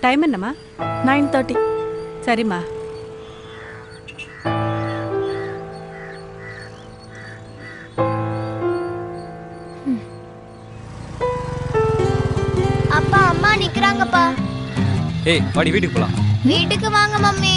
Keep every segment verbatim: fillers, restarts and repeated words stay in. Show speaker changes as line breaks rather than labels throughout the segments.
Time என்னம்மா?
Nine thirty.
சரிம்மா.
அப்பா அம்மா நிக்கறாங்கப்பா.
ஏய் வாடி வீட்டுக்கு போலாம்.
வீட்டுக்கு வாங்க மம்மி.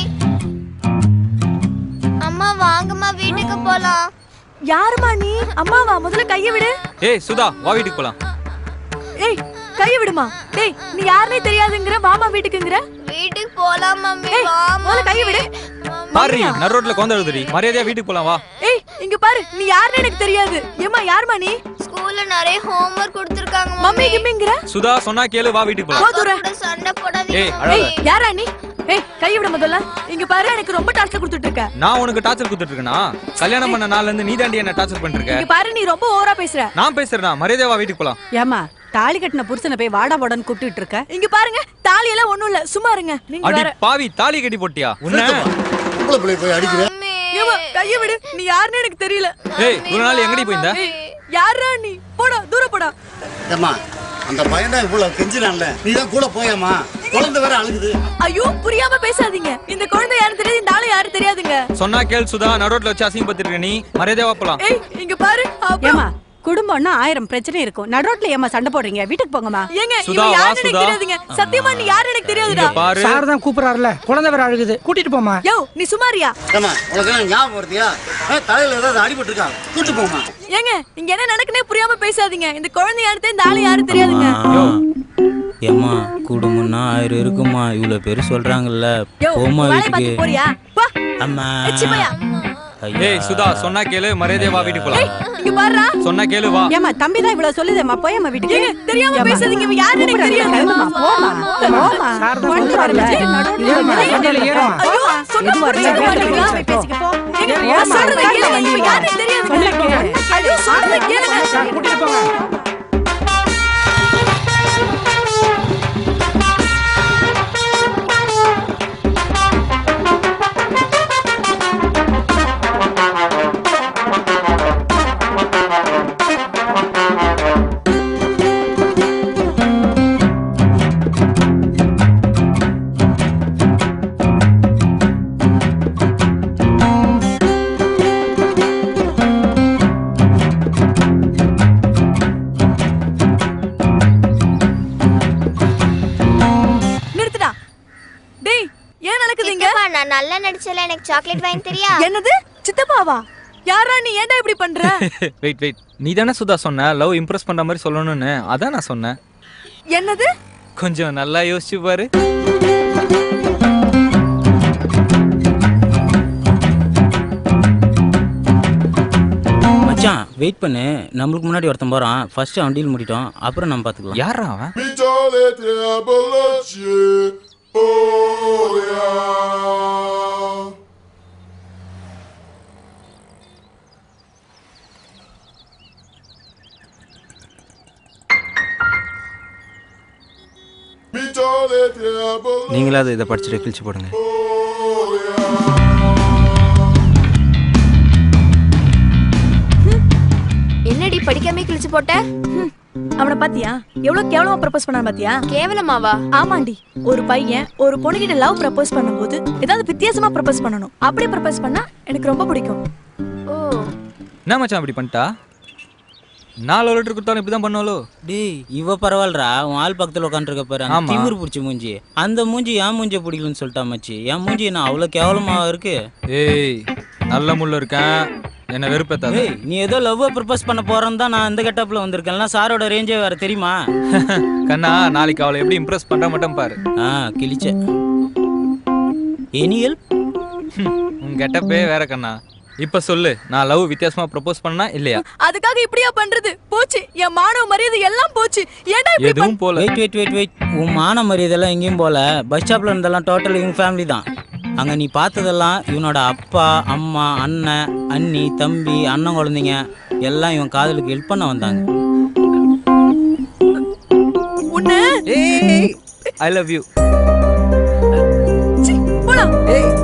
அம்மா வாங்கம்மா வீட்டுக்கு போலாம்.
யாருமா நீ? அம்மாவா? முதல்ல கைய விடு.
ஏய் சுதா வா வீட்டுக்கு போலாம்.
ஏய் கைய விடுமா. டேய் நீ யாருனே தெரியாதுங்கற வாமா வீட்டுக்குங்கற.
வீட்டுக்கு போலாம் மம்மி வா.
முதல்ல கைய விடு.
பாரு நடு ரோட்ல கோந்த எழுதுடி. மரியாதையா வீட்டுக்கு போலாம் வா.
ஏய் இங்க பாரு நீ யாருனே எனக்கு தெரியாது. ஏமா யாருமா நீ?
ஸ்கூல்ல நிறைய ஹோம்வொர்க் கொடுத்திருக்காங்க
மம்மி கிம்மிங்கற.
சுதா சொன்னா கேளு வா வீட்டுக்கு போலாம்.
போதுற.
சண்டை போடாதீங்க.
ஏய் அழாத.
யாரா நீ? ஏய் கைய விடு முதல்ல. இங்க பாரு எனக்கு ரொம்ப டார்ச்சர் கொடுத்துட்டு இருக்க.
நான் உனக்கு டார்ச்சர் கொடுத்துட்டு இருக்கேனா? கல்யாணம் பண்ண நாள்ல இருந்து நீ தாண்டி என்ன டார்ச்சர் பண்ணிட்டு இருக்க.
இங்க பாரு நீ ரொம்ப ஓவரா பேசுற.
நான் பேசுறேனா? மரியாதையா வா வீட்டுக்கு போலாம்.
ஏமா தாலி கட்டின புருஷனை போய் வாடா போடன்னு கூப்பிட்டு இருக்க.
இங்க பாருங்க தாலி எல்லாம் ஒண்ணும் இல்ல சும்மா இருங்க. நீங்க
அடி
வேற.
பாவி தாலி கட்டி போட்டியா? உன்ன
உங்கள போய் போய் அடிக்குற.
ஏமா கைய விடு. நீ யாருனே எனக்கு தெரியல.
ஏய் ஒரு நாள் எங்கடி போயிந்த?
யாரா நீ? போடா தூர போடா.
ஏம்மா அந்த பையன் தான் இவ்வளவு கெஞ்சினான்ல. நீ தான் கூட போயேம்மா. குழந்தை வேற அழுகுது.
ஐயோ புரியாம பேசாதீங்க. இந்த குழந்தை யாரு தெரியாது, இந்த ஆளு யாரு தெரியாதுங்க.
சொன்னா கேள் சுதா நடு ரோட்ல வச்சு அசிங்கப்படுத்திட்டு இருக்க நீ. மரியாதையா வா போலாம்.
ஏய் இங்க பாரு.
ஏமா குடும்பம்னா ஆயிரம் பிரச்சனை இருக்கும். நடுரோட்ல ஏமா சண்டை போடுறீங்க? வீட்டுக்கு போங்கம்மா.
ஏங்க
சுதா,
இவன்
வா,
யாருன்னு எனக்கு
சுதா.
தெரியாதுங்க. சத்தியமா நீ யாரு எனக்கு தெரியாதுடா.
இங்க பாரு.
சார் தான் கூப்பிடுறாருல. குழந்தை வேற அழுகுது. கூட்டிட்டு போமா.
யோ நீ சுமாரியா?
ஏம்மா உனக்கு என்ன ஞாபகம் வருதியா? தலையில ஏதாவது அடிபட்டு இருக்கா? கூட்டி போமா.
ஏங்க இங்க என்ன நடக்குனே புரியாம பேசாதீங்க. இந்த குழந்தை யாரு தெரியாது, இந்த ஆளு யாரு தெரியாதுங்க.
ஏம்மா குடும்பம்னா ஆயிரம் இருக்குமா. இவ்வளவு பேரு சொல்றாங்கல்ல.
யோ
போமா
வேலை
வீட்டுக்கு.
பார்த்து போறியா? போ.
அம்மா
எச்சி பையா.
ஏய் சுதா சொன்னா கேளு மரியாதையா வா வீட்டுக்கு போலாம்.
இங்க பாருடா.
சொன்னா கேளு வா.
ஏமா தம்பி தான் இவ்வளவு சொல்லுதேம்மா போயம்மா வீட்டுக்கு.
ஏங்க தெரியாம பேசாதீங்க. இவன் யாருன்னு எனக்கு தெரியாது.
கிளம்புமா போமா போமா.
சார் தான்
கொண்டு
கூப்பிடுறாருல.
வரல. நடுரோட்ல
ஏறுமா, வண்டியில ஏறுமா.
ஐயோ சொன்னா
எதுவா
புரிஞ்சுக்க
இருந்தாலும்
மாட்டேங்கிறா.
போய் பேசிக்க போ.
ஏங்க
ஏறுமா,
நான் சொல்றதை
உட்காருங்க,
கேளுங்க.
வண்டியில.
இவன் யாருன்னு தெரியாது.
சொன்னா கேளு.
ஐயோ சொல்றதை கேளுங்க.
சார் கூட்டிட்டு போங்க.
நிறுத்துடா. டேய் ஏன் நடக்குது இங்க?
சித்தப்பா நான் நல்லா நடிச்சல எனக்கு சாக்லேட் வாங்கி தெரியா?
என்னது சித்தப்பாவா? யாரா நீ? ஏன்டா இப்படி பண்ற?
வெயிட் வெயிட் நீ தானே சுதா சொன்ன லவ் இம்ப்ரெஸ் பண்ற மாதிரி சொல்லணும்னு. அதான் நான் சொன்னேன்.
என்னது?
கொஞ்சம் நல்லா யோசிச்சு பாரு.
மச்சான் வெயிட் பண்ணு. நம்மளுக்கு முன்னாடி ஒருத்தன் போறான். ஃபர்ஸ்ட் அவன் டீல் முடிட்டோம். அப்புறம் நம்ம பாத்துக்கலாம்.
யாரா அவன்?
நீங்களாவது இதை படிச்சுட்டு கிழிச்சு போடுங்க.
என்னடி படிக்காம கிழிச்சு போட்ட?
அவனை பாத்தியா? எவ்வளவு கேவலமா ப்ரப்போஸ் பண்ணான் பாத்தியா?
கேவலமாவா?
ஆமாண்டி. ஒரு பையன் ஒரு பொண்ணுகிட்ட லவ் ப்ரப்போஸ் பண்ணும்போது ஏதாவது வித்தியாசமா ப்ரப்போஸ் பண்ணணும். அப்படி ப்ரப்போஸ் பண்ணா எனக்கு ரொம்ப பிடிக்கும்.
ஓ
என்ன மச்சான் அப்படி பண்ணிட்டா? நாலு லிட்டர் கொடுத்தாலும் இப்படிதான் பண்ணுவாளோ?
டேய் இவ பரவாயில்லடா. உன் ஆள் பக்கத்துல உட்காந்துருக்க பாரு.
ஆமா.
திமிரு பிடிச்ச மூஞ்சி. அந்த மூஞ்சி என் மூஞ்சி பிடிக்கலன்னு சொல்லிட்டா மச்சி. என் மூஞ்சி என்ன அவ்வளவு கேவலமா இருக்கு?
ஏய் நல்ல முள்ள இருக்கேன். என்ன வெறுப்பேத்தாத.
ஏய் நீ ஏதோ லவ் ப்ரப்போஸ் பண்ண போறேன்னு தான் நான் இந்த கெட்டப்ல வந்திருக்கேன். சாரோட ரேஞ்சே வேற தெரியுமா?
கண்ணா நாளைக்கு அவளை எப்படி இம்ப்ரெஸ் பண்ற மட்டும் பாரு.
ஆ கிழிச்ச. Any help?
உன் கெட்டப்பே வேற கண்ணா. இப்ப சொல்லு, நான் லவ் வித்தியாசமா ப்ரப்போஸ் பண்ணா இல்லையா?
அதுக்காக இப்படியா பண்றது? போச்சு என் மானவ மரியாதை எல்லாம் போச்சு. ஏன்டா இப்படி
எதுவும் போல.
வெயிட் வெயிட் வெயிட் வெயிட் உன் மான மரியாதை எல்லாம் எங்கேயும் போல. பஸ் ஸ்டாப்ல இருந்தெல்லாம் டோட்டல் இவங்க ஃபேமிலி தான். அங்க நீ பார்த்ததெல்லாம் இவனோட அப்பா அம்மா அண்ணன் அண்ணி தம்பி அண்ணன் குழந்தைங்க எல்லாம் இவன் காதலுக்கு ஹெல்ப் பண்ண வந்தாங்க.
உன்ன
ஏய் ஐ லவ் யூ.
போடா.
ஏய்